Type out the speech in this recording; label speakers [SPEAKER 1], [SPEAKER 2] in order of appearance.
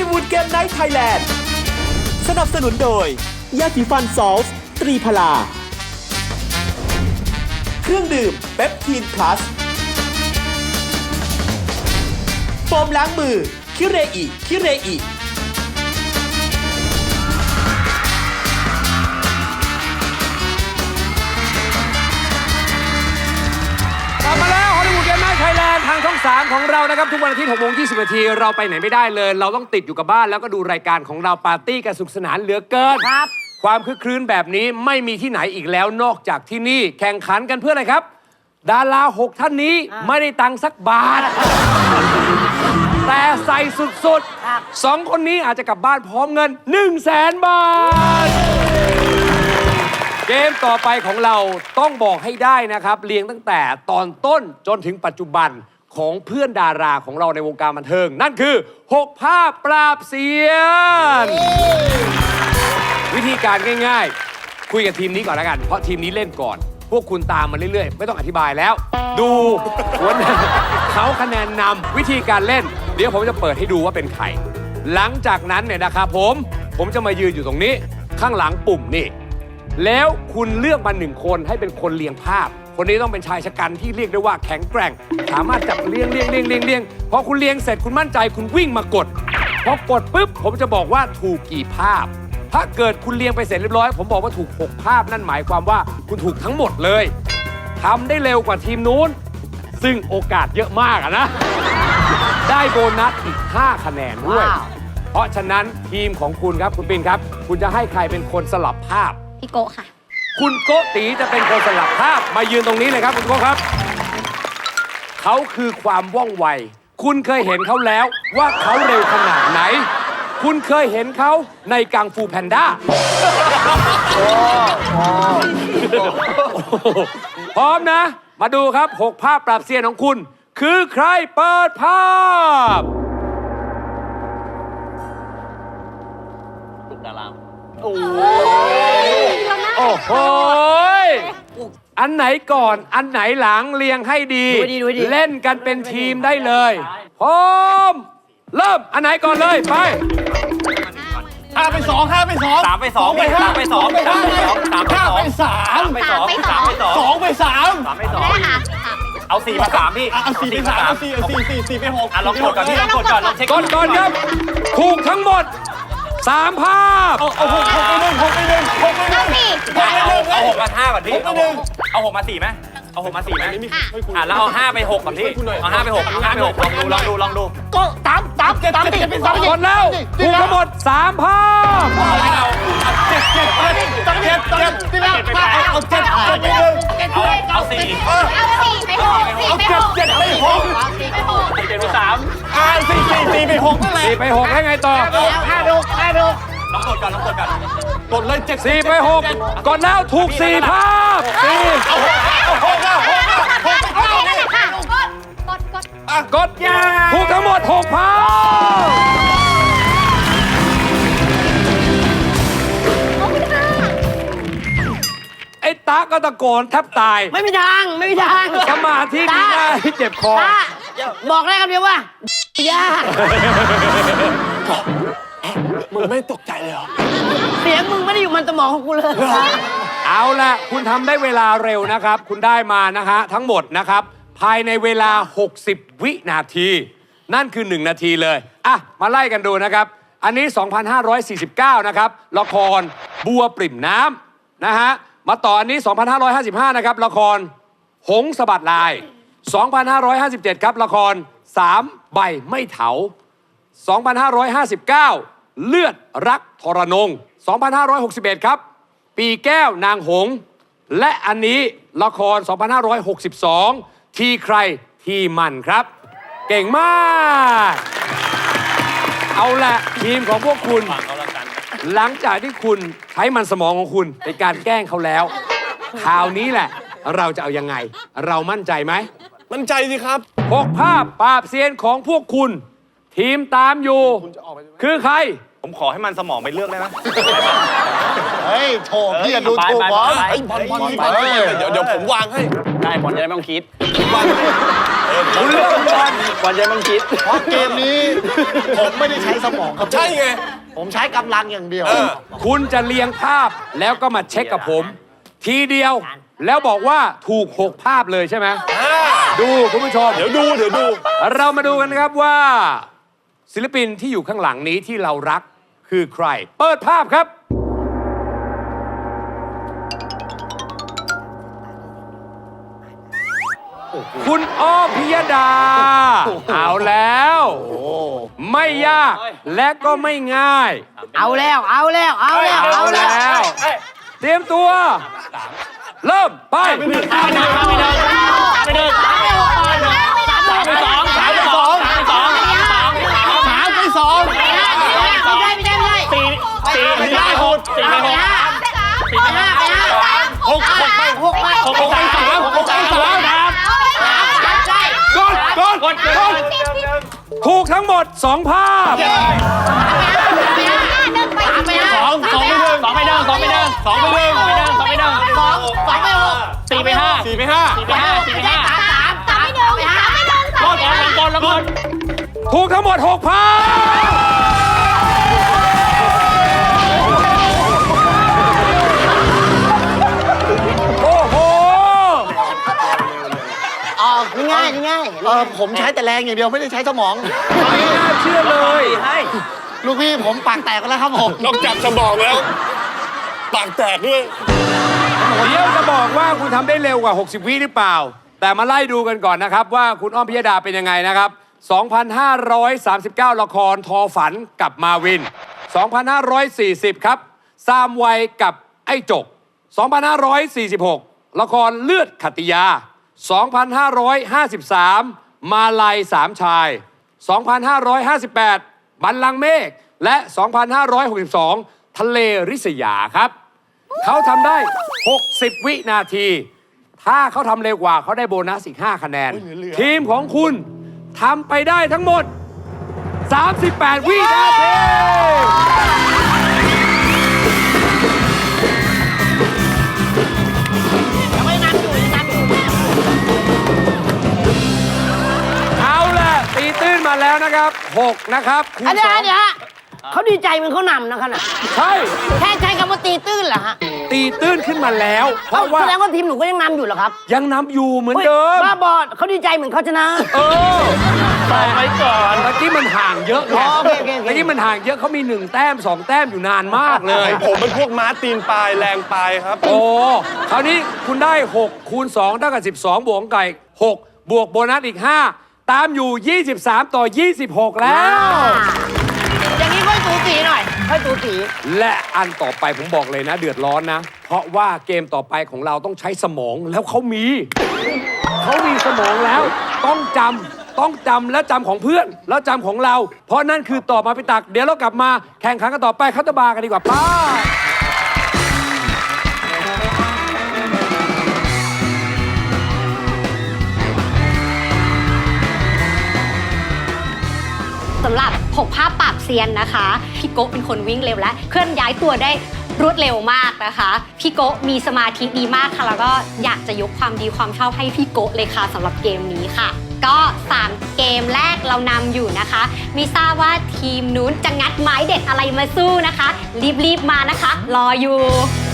[SPEAKER 1] วูดเกมไนท์ไทยแลนด์สนับสนุนโดยยาสีฟันซอลส์ตรีพลาเครื่องดื่มเปปทีนพลัสโฟมล้างมือคิเรอิ
[SPEAKER 2] กลับมาแล้วฮอลลีวูดเกมไนท์ไทยแลนด์ทางช่อง 3 ของเรานะครับ ทุกวันอาทิตย์ 6:20 นาทีเราไปไหนไม่ได้เลย เราต้องติดอยู่กับบ้านแล้วก็ดูรายการของเราปาร์ตี้กันสนุกสนานเหลือเกินครับความคึกครื้นแบบนี้ไม่มีที่ไหนอีกแล้วนอกจากที่นี่แข่งขันกันเพื่ออะไรครับ ดารา 6 ท่านนี้ไม่ได้ตังค์สักบาท แต่ใส่สุดๆ2 คนนี้อาจจะกลับบ้านพร้อมเงิน 100,000 บาท เกมต่อไปของเราต้องบอกให้ได้นะครับเรียงตั้งแต่ตอนต้นจนถึงปัจจุบันของเพื่อนดาราของเราในวงการบันเทิง นั่นคือ 6 ภาพปราบเซียน วิธีการง่ายๆ คุยกับทีมนี้ก่อนแล้วกัน เพราะทีมนี้เล่นก่อน พวกคุณตามมาเรื่อยๆ ไม่ต้องอธิบายแล้ว ดูหัวหน้าเขาคะแนนนำวิธีการเล่น เดี๋ยวผมจะเปิดให้ดูว่าเป็นใคร หลังจากนั้นเนี่ยนะครับผมจะมายืนอยู่ตรงนี้ข้างหลังปุ่มนี่แล้วคุณเลือกมา1 คนให้เป็นคนเรียงภาพ คนนี้ต้องเป็นชายชะกันที่เรียกได้ว่าแข็งแกร่ง สามารถจับเรียงพอคุณเรียงเสร็จคุณมั่นใจคุณวิ่งมากดพอกดปุ๊บผมจะบอกว่าถูกกี่ภาพ ถ้าเกิดคุณเรียงไปเสร็จเรียบร้อยผมบอกว่าถูก6 ภาพนั่นหมายความว่าคุณถูกทั้งหมดเลยทำได้เร็วกว่าทีมนู้นซึ่งโอกาสเยอะมากนะได้โบนัสอีก5 คะแนนด้วยเพราะฉะนั้นทีมของคุณครับคุณปิ่นครับคุณจะให้ใครเป็นคนสลับภาพ
[SPEAKER 3] พี่โกค่ะ
[SPEAKER 2] คุณโกตีจะเป็นคนสลับภาพมายืนตรงนี้เลยครับคุณโกครับเขาคือความว่องไวคุณเคยเห็นเขาแล้วว่าเขาเร็วขนาดไหนคุณเคยเห็นเขาในกังฟูแพนด้าพร้อมนะมาดูครับ6 ภาพปราบเซียนของคุณคือใครเปิดภาพ
[SPEAKER 4] ตุกดาราม
[SPEAKER 2] โอ้โหอันไหนก่อนอันไหนหลังเรียงให้ดีเล่นกันเป็นทีมได้เลยพร้อมเริ่มอันไหนก่อนเลยไป
[SPEAKER 4] 5 ไป 2 3 ไป 2 3 ไป 2 3 ไป 2 2 ไป 3เอา4 มา 3พี่
[SPEAKER 5] เอา4 ไป 3เอา4 ไป 6
[SPEAKER 4] ลองกดก่อนพี่ลองกดก่อนลองเช็ค
[SPEAKER 2] ก่อนครับถูกทั้งหมด3 ภาพ
[SPEAKER 5] เอา6 ไป 1
[SPEAKER 4] เอา6 มา 5ก่อนพี่เอา6 มา 4ไหมเอา6 มา 4ไหมแล้วเอา5 ไป 6ก่อนพี่เอา5 ไป 6ลองดู
[SPEAKER 5] ก็ตาม7 ไป 2
[SPEAKER 2] ก่อนแล้วถูกทั้งหมด3 ภาพ
[SPEAKER 5] 7ที่แล้วเอา7 ไป 1
[SPEAKER 4] เอา4
[SPEAKER 3] เอา4 ไป 6
[SPEAKER 5] เอา7 ไป 6
[SPEAKER 4] 7 ไป 3
[SPEAKER 5] 4 ไป 6นั่นแหละ
[SPEAKER 2] 4 ไป 6แล้วไงต่อ
[SPEAKER 4] ลองกดก่อน
[SPEAKER 5] กดเลย
[SPEAKER 2] 4 ไป 6ก่อนแล้วถูก4 ภาพกดถูกทั้งหมด6 ภาพไอ้ตาก็ตะโกนแทบตาย
[SPEAKER 3] ไม่มีทาง
[SPEAKER 2] สมาธิดีมากที่เจ็บคอ
[SPEAKER 3] บอกได้คำเดียวว่ายาก
[SPEAKER 5] มึงไม่ตกใจเลยเหรอ
[SPEAKER 3] เสียงมึงไม่ได้อยู่มันสมองของกูเลย
[SPEAKER 2] เอาละคุณทำได้เวลาเร็วนะครับคุณได้มานะฮะทั้งหมดนะครับภายในเวลา60 วินาทีนั่นคือ1 นาทีเลยอ่ะมาไล่กันดูนะครับอันนี้ 2,549 นะครับละครบัวปริ่มน้ำนะฮะมาต่ออันนี้ 2,555 นะครับละครหงส์สะบัดลาย 2,557 ครับละคร3 ใบไม่เถา 2,559 เลือดรักทรนง 2,561 ครับปีแก้วนางหงส์และอันนี้ละคร 2,562 ทีใครทีมันครับเก่งมากเอาละทีมของพวกคุณหลังจากที่คุณใช้มันสมองของคุณในการแกล้งเขาแล้วคราวนี้แหละเราจะเอายังไงเรามั่นใจไหม
[SPEAKER 5] มั่นใจสิครับ
[SPEAKER 2] 6 ภาพปราบเซียนของพวกคุณทีมตามอยู่คือใคร
[SPEAKER 4] ผมขอให้มันสมองไปเลือกได้ไหม
[SPEAKER 5] เฮ้ยโถพี่อย่าดูถูกบอลเดี๋ยวผมวางให้
[SPEAKER 4] ได้บอลจะได้ไม่ต้องคิด
[SPEAKER 2] คุณเลือกบอล
[SPEAKER 4] วันใจมันคิด
[SPEAKER 5] เพราะเกมนี้ผมไม่ได้ใช้สมองครับ
[SPEAKER 6] ใช่ไง
[SPEAKER 5] ผมใช้กำลังอย่างเดียว
[SPEAKER 2] คุณจะเรียงภาพแล้วก็มาเช็คกับผม ทีเดียวแล้วบอกว่าถูก 6 ภาพเลยใช่ไหมดูคุณผู้ชม
[SPEAKER 6] เดี๋ยวดู
[SPEAKER 2] เรามาดูกันนะครับว่า ศิลปินที่อยู่ข้างหลังนี้ที่เรารักคือใคร เปิดภาพครับ คุณอ้อมพิยดา เอาแล้ว ไม่ยากและก็ไม่ง่าย
[SPEAKER 3] เอาแล้ว
[SPEAKER 2] เอาแล้ว เตรียมตัว เริ่มไป ถูกทั้งหมด 2 ภาพ ถูกทั้งหมด 6 ภาพ โอ้โห
[SPEAKER 3] ง่ายง่าย
[SPEAKER 5] ผมใช้แต่แรงอย่างเดียวไม่ได้ใช้สมอง
[SPEAKER 2] ไม่น่าเชื่อเลย
[SPEAKER 5] ลูกพี่ผมปากแตกกันแล้วครับผม
[SPEAKER 6] นอกจากสมองแล้ว ปากแตกด้วย
[SPEAKER 2] เดี๋ยวจะบอกว่าคุณทำได้เร็วกว่า 60 วิหรือเปล่า แต่มาไล่ดูกันก่อนนะครับว่าคุณอ้อมพิยดาเป็นยังไงนะครับ 2,539 ละครทอฝันกับมาวิน 2,540 ครับซามวัยกับไอ้จก 2,546 ละครเลือดขัตติยา 2,553 มาลัยสามชาย 2,558 บัลลังก์เมฆ และ 2,562 ทะเลริษยาครับ เขาทำได้ 60 วินาที ถ้าเขาทำเร็วกว่าเขาได้โบนัสอีก 5 คะแนน ทีมของคุณทำไปได้ทั้งหมด 38 วินาที เอาล่ะตีตื้นมาแล้วนะครับ 6 นะครับคูณ
[SPEAKER 3] อันนี้
[SPEAKER 2] สอง
[SPEAKER 3] ฮะเขาดีใจมันเขานำนะขนาด
[SPEAKER 2] ใช่
[SPEAKER 3] แค่ใช้คำว่าตีตื้นเหรอฮะ
[SPEAKER 2] ตีตื้นขึ้นมาแล้ว เพราะว่า
[SPEAKER 3] แสดงว่าทีมหนูก็ยังนำอยู่เหรอครับ
[SPEAKER 2] ยังนำอยู่เหมือนเดิม
[SPEAKER 3] บ้าบอเขาดีใจเหมือนเขาชนะ
[SPEAKER 2] เออ
[SPEAKER 4] ต่อไปก่อน
[SPEAKER 2] เมื่อกี้มันห่างเยอะไง
[SPEAKER 3] อ๋อโอเคโอเคโอเค
[SPEAKER 2] เมื่อกี้มันห่างเยอะเขามี 1 แต้ม 2 แต้มอยู่นานมากเลย
[SPEAKER 6] ผมเป็นพวกม้าตีนปลายแรงปลายครับ
[SPEAKER 2] โอ้คราวนี้คุณได้ 6 คูณ 2 เท่ากับ 12 บวกไก่ 6 บวกโบนัสอีก 5 ตามอยู่ 23 ต่อ 26 แล้ว
[SPEAKER 3] อย่างนี้ค่อยสูสีหน่อยค่อยสูสี
[SPEAKER 2] และอันต่อไปผมบอกเลยนะ เดือดร้อนนะ เพราะว่าเกมต่อไปของเราต้องใช้สมองแล้วเขามีสมองแล้ว ต้องจำและจำของเพื่อน แล้วจำของเรา เพราะนั่นคือตอบมาไปตัก เดี๋ยวเรากลับมาแข่งขันกันต่อไปคัตเตอร์บาร์กันดีกว่าป้า
[SPEAKER 7] สำหรับ6 ภาพปราบเซียนนะคะ พี่โกะเป็นคนวิ่งเร็วและเคลื่อนย้ายตัวได้รวดเร็วมากนะคะ พี่โกะมีสมาธิดีมากค่ะ แล้วก็อยากจะยกความดีความชอบให้พี่โกะเลยค่ะสำหรับเกมนี้ค่ะ ก็ 3 เกมแรกเรานำอยู่นะคะไม่ทราบว่าทีมนู้นจะงัดไม้เด็ดอะไรมาสู้นะคะ รีบๆมานะคะ รออยู่